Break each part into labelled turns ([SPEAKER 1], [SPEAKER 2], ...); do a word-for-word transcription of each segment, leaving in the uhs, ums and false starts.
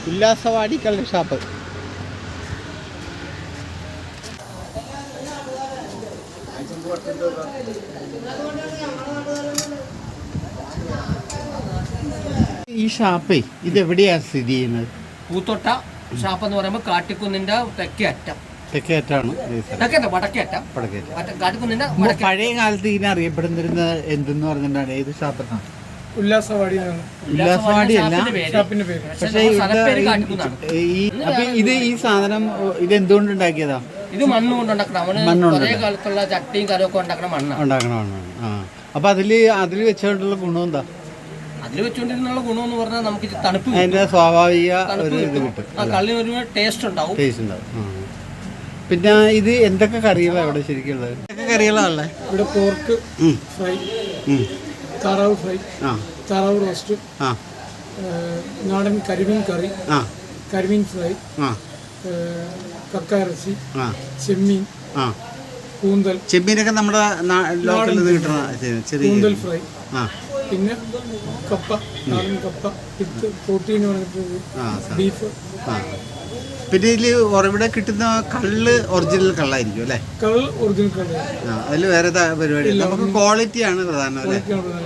[SPEAKER 1] ഉല്ലാസവാടി കള്ള് ഷാപ്പ്. ഈ ഷാപ്പേ ഇതെവിടെയാണ് സ്ഥിതി ചെയ്യുന്നത്?
[SPEAKER 2] പൂത്തോട്ട ഷാപ്പ് എന്ന് പറയുമ്പോൾ കാട്ടിക്കുന്നിന്റെ തെക്കേ അറ്റം.
[SPEAKER 1] തെക്കേ അറ്റാണ്
[SPEAKER 2] വടക്കേ അറ്റം. കാട്ടിക്കുന്നിന്റെ
[SPEAKER 1] പഴയ കാലത്ത് ഇതിനെ അറിയപ്പെടുന്നിരുന്ന എന്തെന്ന് പറഞ്ഞിട്ടാണ്? ഏത് ഷാപ്പെന്നാണ്?
[SPEAKER 3] ഉല്ലാസവാടി.
[SPEAKER 1] ഉല്ലാസവാടി അല്ല, പക്ഷേ ഇത് ഈ സാധനം ഇത് എന്തുകൊണ്ട് ഉണ്ടാക്കിയതാ?
[SPEAKER 2] ഇത് മണ്ണ് കൊണ്ട് ഉണ്ടാക്കണം. പഴയ കാലത്തുള്ള ചട്ടിയും കരമൊക്കെ ഉണ്ടാക്കണ മണ്ണ്
[SPEAKER 1] ഉണ്ടാക്കണ മണ്ണാണ്. ആ അപ്പൊ അതില് അതിൽ വെച്ചുകൊണ്ടുള്ള ഗുണം എന്താ?
[SPEAKER 2] അതിൽ വെച്ചുകൊണ്ടിരുന്നുള്ള ഗുണം എന്ന് പറഞ്ഞാൽ നമുക്ക് തണുപ്പ്,
[SPEAKER 1] അതിന്റെ സ്വാഭാവിക ഒരു ഇത് കിട്ടും.
[SPEAKER 2] കള്ളിനൊരു ടേസ്റ്റ് ഉണ്ടാവും.
[SPEAKER 1] ടേസ്റ്റ് ഉണ്ടാവും. പിന്നെ ഇത് എന്തൊക്കെ കറികളാണ് ഇവിടെ ശരിക്കും ഉള്ളത്? എന്തൊക്കെ കറികളാണല്ലേ
[SPEAKER 3] ഇവിടെ? പോർക്ക് ഫ്രൈ, താറാവ് ഫ്രൈ, താറാവ് റോസ്റ്റ്, നാടൻ കരിമീൻ കറി, കരിമീൻ ഫ്രൈ, കക്ക ഇറച്ചി, ചെമ്മീൻ, കൂന്തൽ.
[SPEAKER 1] ചെമ്മീനൊക്കെ നമ്മുടെ ലോക്കലിൽ നിന്ന് കിട്ടുന്ന
[SPEAKER 3] കൂന്തൽ ഫ്രൈ, പിന്നെ കപ്പ, നാടൻ കപ്പ വിത്ത് പ്രോട്ടീൻ പറഞ്ഞിട്ട് ബീഫ്.
[SPEAKER 1] പിന്നെ ഇതിൽ ഇവിടെ കിട്ടുന്ന കള്ള് ഒറിജിനൽ കള്ളായിരിക്കും അല്ലേ?
[SPEAKER 3] കള്ള് ഒറിജിനൽ കള്ള്.
[SPEAKER 1] അതിൽ വേറെ പരിപാടി നമുക്ക് ക്വാളിറ്റിയാണ് പ്രധാനം അല്ലേ?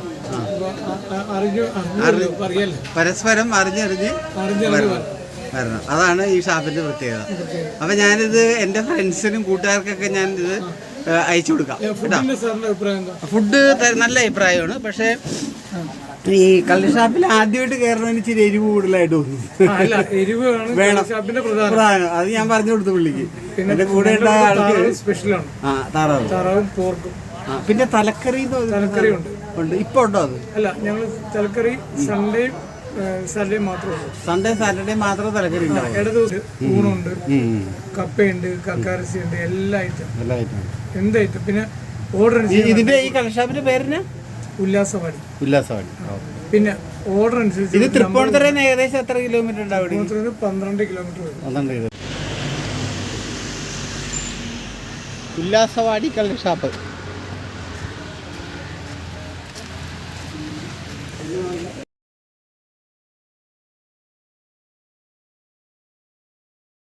[SPEAKER 1] പരസ്പരം അറിഞ്ഞറിഞ്ഞ് വരണം, അതാണ് ഈ ഷാപ്പിന്റെ പ്രത്യേകത. അപ്പൊ ഞാനിത് എന്റെ ഫ്രണ്ട്സിനും കൂട്ടുകാർക്കൊക്കെ ഞാനിത് അയച്ചു കൊടുക്കാം കേട്ടോ. ഫുഡ് നല്ല അഭിപ്രായമാണ്. പക്ഷേ ഈ കള്ള് ഷാപ്പിൽ ആദ്യമായിട്ട് കയറണതിന് ഇച്ചിരി എരിവ് കൂടുതലായിട്ട് തോന്നുന്നു. വേണം, പ്രധാനം. അത് ഞാൻ പറഞ്ഞു കൊടുത്തു പുള്ളിക്ക്. എന്റെ കൂടെ ഉണ്ടായ ആൾക്ക് സ്പെഷ്യലാണ് ആ താറാവ് താറാവും പോർക്കും. പിന്നെ തലക്കറി തലക്കറി ഉണ്ട് ഉണ്ട് ഇപ്പൊ ഉണ്ടോ? അത്
[SPEAKER 3] അല്ല, ഞങ്ങൾ തലക്കറി സൺഡേ സാറ്റർഡേ മാത്രമേ ഉള്ളൂ.
[SPEAKER 1] സൺഡേ സാറ്റർഡേ മാത്രമേ തലക്കറി ഉണ്ടാവും.
[SPEAKER 3] ഇട ദിവസം ഊണുണ്ട്, കപ്പയുണ്ട്, കക്കാരസി ഉണ്ട്, എല്ലാ ഐറ്റം എല്ലാ ഐറ്റം എന്ത് ഐറ്റം. പിന്നെ ഓർഡർ
[SPEAKER 1] ഇതിന്റെ ഈ കള്ള് ഷാപ്പിന്റെ പേരിന്
[SPEAKER 3] ഉല്ലാസവാടി.
[SPEAKER 1] ഉല്ലാസവാടി.
[SPEAKER 3] പിന്നെ ഓർഡർ അനുസരിച്ച്
[SPEAKER 1] ഇത് തൃപ്പൂണിത്തുറയിൽ നിന്ന് ഏകദേശം എത്ര കിലോമീറ്റർ ഉണ്ടാവും?
[SPEAKER 3] പന്ത്രണ്ട് കിലോമീറ്റർ വരും.
[SPEAKER 1] പന്ത്രണ്ട് കിലോമീറ്റർ. ഉല്ലാസവാടി കള്ള് ഷാപ്പ്.